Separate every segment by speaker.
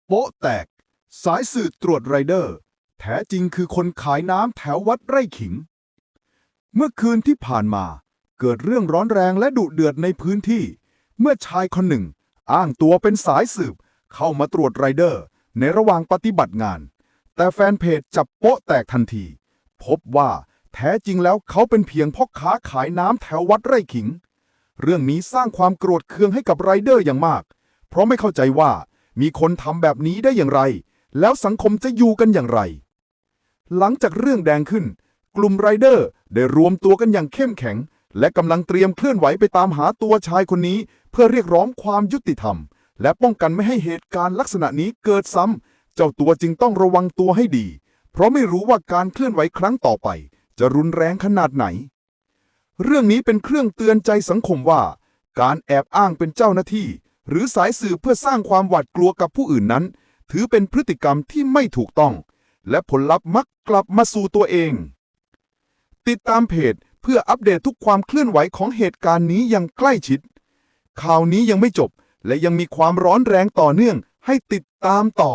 Speaker 1: โป๊ะแตกสายสืบตรวจไรเดอร์แท้จริงคือคนขายน้ำแถววัดไร่ขิงเมื่อคืนที่ผ่านมาเกิดเรื่องร้อนแรงและดุเดือดในพื้นที่เมื่อชายคนหนึ่งอ้างตัวเป็นสายสืบเข้ามาตรวจไรเดอร์ในระหว่างปฏิบัติงานแต่แฟนเพจจับโป๊ะแตกทันทีพบว่าแท้จริงแล้วเขาเป็นเพียงพ่อค้าขายน้ำแถววัดไร่ขิงเรื่องนี้สร้างความโกรธเคืองให้กับไรเดอร์อย่างมากเพราะไม่เข้าใจว่ามีคนทำแบบนี้ได้อย่างไรแล้วสังคมจะอยู่กันอย่างไรหลังจากเรื่องแดงขึ้นกลุ่มไรเดอร์ได้รวมตัวกันอย่างเข้มแข็งและกำลังเตรียมเคลื่อนไหวไปตามหาตัวชายคนนี้เพื่อเรียกร้องความยุติธรรมและป้องกันไม่ให้เหตุการณ์ลักษณะนี้เกิดซ้ำเจ้าตัวจึงต้องระวังตัวให้ดีเพราะไม่รู้ว่าการเคลื่อนไหวครั้งต่อไปจะรุนแรงขนาดไหนเรื่องนี้เป็นเครื่องเตือนใจสังคมว่าการแอบอ้างเป็นเจ้าหน้าที่หรือสายสืบเพื่อสร้างความหวาดกลัวกับผู้อื่นนั้นถือเป็นพฤติกรรมที่ไม่ถูกต้องและผลลัพธ์มักกลับมาสู่ตัวเองติดตามเพจเพื่ออัปเดตทุกความเคลื่อนไหวของเหตุการณ์นี้อย่างใกล้ชิดข่าวนี้ยังไม่จบและยังมีความร้อนแรงต่อเนื่องให้ติดตามต่อ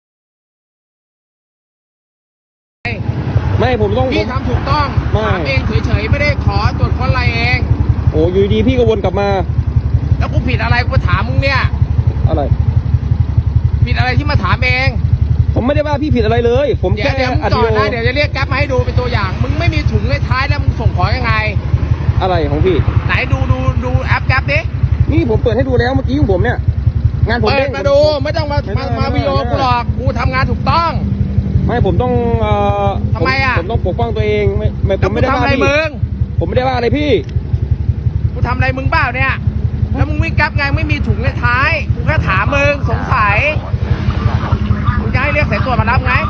Speaker 2: ไม่ผมต้อง
Speaker 3: พี่ทำถูกต้อง
Speaker 2: ไม่
Speaker 3: ถามเองเฉยๆไม่ได้ขอตรวจค้นอะไรเอง
Speaker 2: โอ้อยู่ดีพี่ก็วนกลับมา
Speaker 3: แล้วกูผิดอะไรกูถามมึงเนี่ย
Speaker 2: อะไร
Speaker 3: ผิดอะไรที่มาถามเอง
Speaker 2: ผมไม่ได้ว่าพี่ผิดอะไรเลย ผม
Speaker 3: เดี๋ย
Speaker 2: แค่
Speaker 3: วมึง
Speaker 2: อัด
Speaker 3: จอ
Speaker 2: วิ
Speaker 3: ด
Speaker 2: ดีโอ
Speaker 3: นะเดี๋ยวจะเรียกแก๊ปมาให้ดูเป็นตัวอย่าง มึงไม่มีถุงในท้ายแล้วมึงส่งของยังไง
Speaker 2: อะไรของพี่
Speaker 3: ไหนดูแอปแก๊ปดิ
Speaker 2: นี่ผมเปิดให้ดูแล้วเมื่อกี้ของผมเนี่ยงานผม
Speaker 3: เปิ
Speaker 2: เด้
Speaker 3: ด
Speaker 2: ง
Speaker 3: มาดูไม่ต้องมาวิดีโอกูหรอกกูทำงานถูกต้อง
Speaker 2: ไม่ผมต้อง
Speaker 3: ทำไมอะ
Speaker 2: ผมต้องปกป้องตัวเองไม่ผ
Speaker 3: แล้ว
Speaker 2: ม
Speaker 3: กู
Speaker 2: ไม่ได้
Speaker 3: ทำ
Speaker 2: ว่า
Speaker 3: อะไร
Speaker 2: พี่
Speaker 3: มึง
Speaker 2: ผมไม่ได้ว่าอะไรพี่
Speaker 3: กูทำอะไรมึงเปล่าเนี่ยแล้วมึงวิ่งแก๊ปไงไม่มีถุงในท้ายกูแค่ถามมึงสงสัยมึงจะให้เรียกสายตรวจมารับไง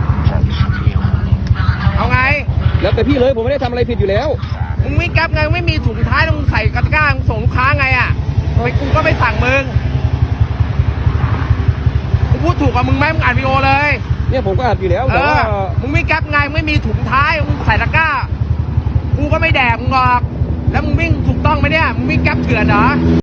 Speaker 3: เอาไง
Speaker 2: แล้วแต่พี่เลยผมไม่ได้ทำอะไรผิดอยู่แล้ว
Speaker 3: มึงวิ่งแก๊ปไงไม่มีถุงท้ายแล้วมึงใส่กระก้ามึงส่งลูกค้าไงอ่ะไปกูก็ไม่สั่งมึงกูพูดถูกกับมึงไหมมึงอ่านวีดีโอเลย
Speaker 2: เนี่ยผมก็อัดอยู่แล้วแต่ว่า
Speaker 3: มึงวิ่งแก๊ปไงไม่มีถุงท้ายมึงใส่ตะกร้ากูก็ไม่แดกมึงหรอกแล้วมึงวิ่งถูกต้องไหมเนี่ยมึงวิ่งแก๊ปเถื่อนเหรอ